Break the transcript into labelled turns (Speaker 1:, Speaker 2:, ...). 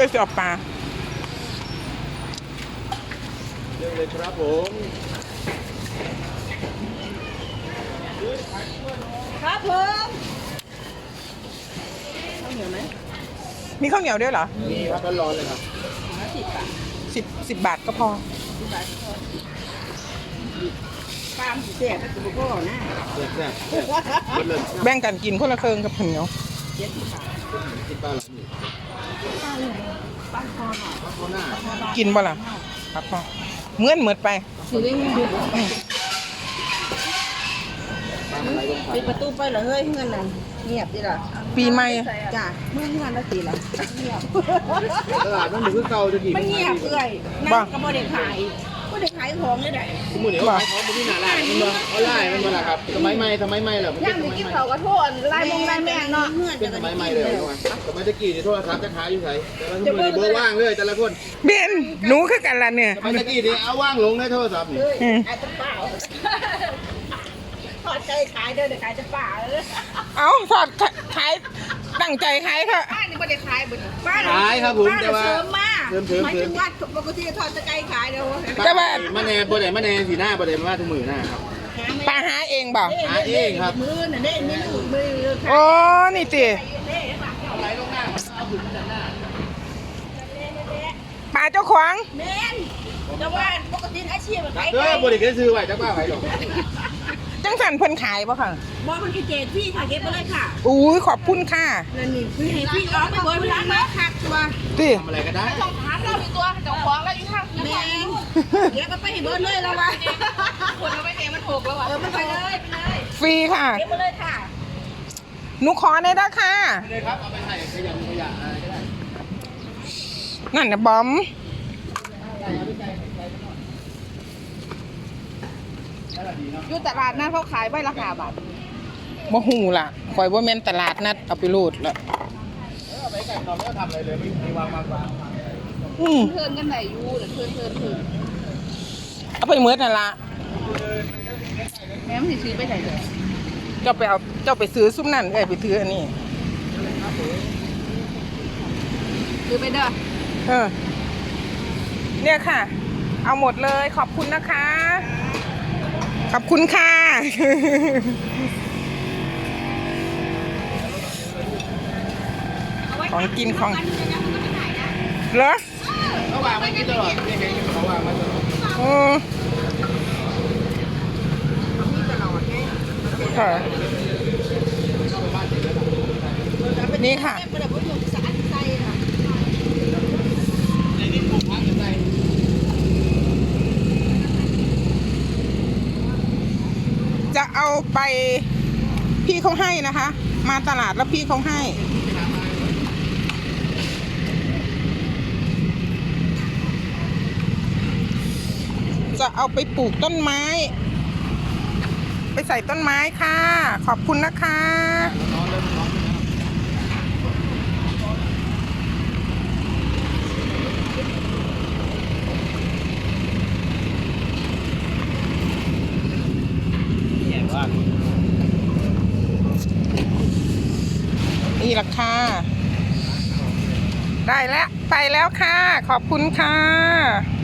Speaker 1: เลยจะเอาปลา
Speaker 2: เรื่องเลยครับผม
Speaker 3: ครับผมข้าวเหนียวไหม
Speaker 1: มีข้าวเหนียวด้วยเหรอ
Speaker 2: มีครับร้อนๆเลยครับ
Speaker 1: 10 บาทก็พอ
Speaker 3: ปลาเสียบก็คือพ่อนะ
Speaker 2: แซ่บๆหมดเลย
Speaker 1: แบ่งกันกินคนละเครื่องกับข้าวเหนียว
Speaker 2: กินปลาหลังนี่
Speaker 3: ปลาคอหน่อย
Speaker 2: ปลาข้าวหน้า
Speaker 1: กินบ่ล่ะครับพอเหมือนไป
Speaker 3: ซื้อได้เงินเดือน
Speaker 2: ปลาอะไรลงไป
Speaker 3: ปิดประตูไปเหรอเฮ้ยเงินน่ะเงียบดิล่ะ
Speaker 1: ปีใหม่
Speaker 3: จ้ะเมื่อเงินละสิล่ะเงียบ
Speaker 2: ตลาดมันเหมือนเก่าจะดี
Speaker 3: มันเงียบเลยนั่งก็บ่ได้ขายบ่ได้ขายของเลยได้
Speaker 2: สมมุติเขาขายของบนที่หน้าร้านมันมาออนไลน์มันมาละครับสมัยใหม่เหรอมัน
Speaker 3: ย่า
Speaker 2: เป็น
Speaker 3: ง
Speaker 2: ส
Speaker 3: มี
Speaker 2: มัย
Speaker 3: กิน
Speaker 2: ใหม่
Speaker 3: เขาก็โทษลายมงลายแม่เนาะเงื่อน
Speaker 2: เป็นสมัยใหม่เลยสมัยตะกี้เนี่ยโทรศัพท์จะขายอยู่ไหนแต่ละสมัยเบอร์ว่างเลยแต่ละคน
Speaker 1: เบนหนูคือกันล่ะเนี่ย
Speaker 2: สมัยตะกี้เนี่ยเอาว่างลงในโทรศัพท์นี่
Speaker 3: ขายจะเปล่าพอใจขายเด้อเดี๋ยวขายจะเปล่าเลย
Speaker 1: เอาถอดขายตั้งใจขายค่ะ
Speaker 3: บ้านนี่ไม่ได้ขายบุญบ้าน
Speaker 2: ขายครับผมแต่ว่า
Speaker 3: เสริมมา
Speaker 2: เสริม
Speaker 3: หมายถึงว่าปกติทอดจะไกลขายเดี๋ยว
Speaker 1: แต่ว่า
Speaker 2: มะแนบ่ได้มะแนสีหน้าบ่ได้มาทุกมือหน้าครับ
Speaker 1: ปลาหาเองบ่
Speaker 2: หาเองครับ
Speaker 3: มือน่ะเด้นี่มือ
Speaker 1: โอ้นี่ติ
Speaker 2: เอาไหลลงหน้าเอาถึงหน้า
Speaker 1: ปลาเจ้าของ
Speaker 3: เมนแต่ว่าปกติอาชีพขาย
Speaker 2: เออบ่ได้เคยซื้อไว้จักว่าไว้หรอก
Speaker 1: จังสันเพิ่นขายบ่ค่ะ
Speaker 3: มองมันคือเจดพี่ค่ะเก็บไปเลยค่ะ
Speaker 1: อุ้ยขอบคุณค่ะ
Speaker 3: นั่นนี่คือให้พี่ออกไปเบิร์ดร้านมาคักตัว
Speaker 1: ติ
Speaker 2: ทำอะไรก็ได้
Speaker 3: ต้องถามเราอีกตัวเจ้าของแล้วอยู่ข้างแมนเดี๋ยวก็ไปให้เบิร์ดเลยแล้ววะคนเอาไปเองมันถูกแล้ววะมันไปเลยไปเลย
Speaker 1: ฟรีค่ะ
Speaker 3: เก็บไปเลยค่ะ
Speaker 1: หนูขอได้ด้ค่ะ
Speaker 2: เลยครับเอาไปใส่ขยะอะไรก็ได้
Speaker 1: นั่นน่ะบอม
Speaker 3: อยู่ตลาดนั้นเขาขายใบราคาบาท
Speaker 1: บ่ฮู้ล่ะข่อยบ่แม่นตลาดนัดเอาไปโลดละ
Speaker 2: เอาไปใส่นอนไม่ต้องทำอะไรเลยไม่วาง
Speaker 1: อืม
Speaker 3: เทินกันไหนอยู่หรือเทิน
Speaker 1: เอาไปเมิดนั่นล่ะ
Speaker 3: แม่มันสิซื้อไปไหนเลย
Speaker 1: เจ้าไปซื้อซุ้มนั่นเอ้ยไปซื้ออันนี้
Speaker 3: ซื้อไปเด้อ
Speaker 1: เออเนี่ยค่ะ เอาหมดเลยขอบคุณนะคะ ขอบคุณค่ะ ของกินของเหรอ
Speaker 2: เขาวางไว้กินตลอดนี่ไงเขาวางไว้ตลอด
Speaker 1: โอ้ค่ะนี่ค่ะ
Speaker 2: ในนี้ปลูกพักอยู่ใน
Speaker 1: จะเอาไปพี่เขาให้นะคะ มาตลาดแล้วพี่เขาให้ จะเอาไปปลูกต้นไม้ ไปใส่ต้นไม้ค่ะ ขอบคุณนะคะ นี่ราคาได้แล้ว ไปแล้วค่ะ ขอบคุณค่ะ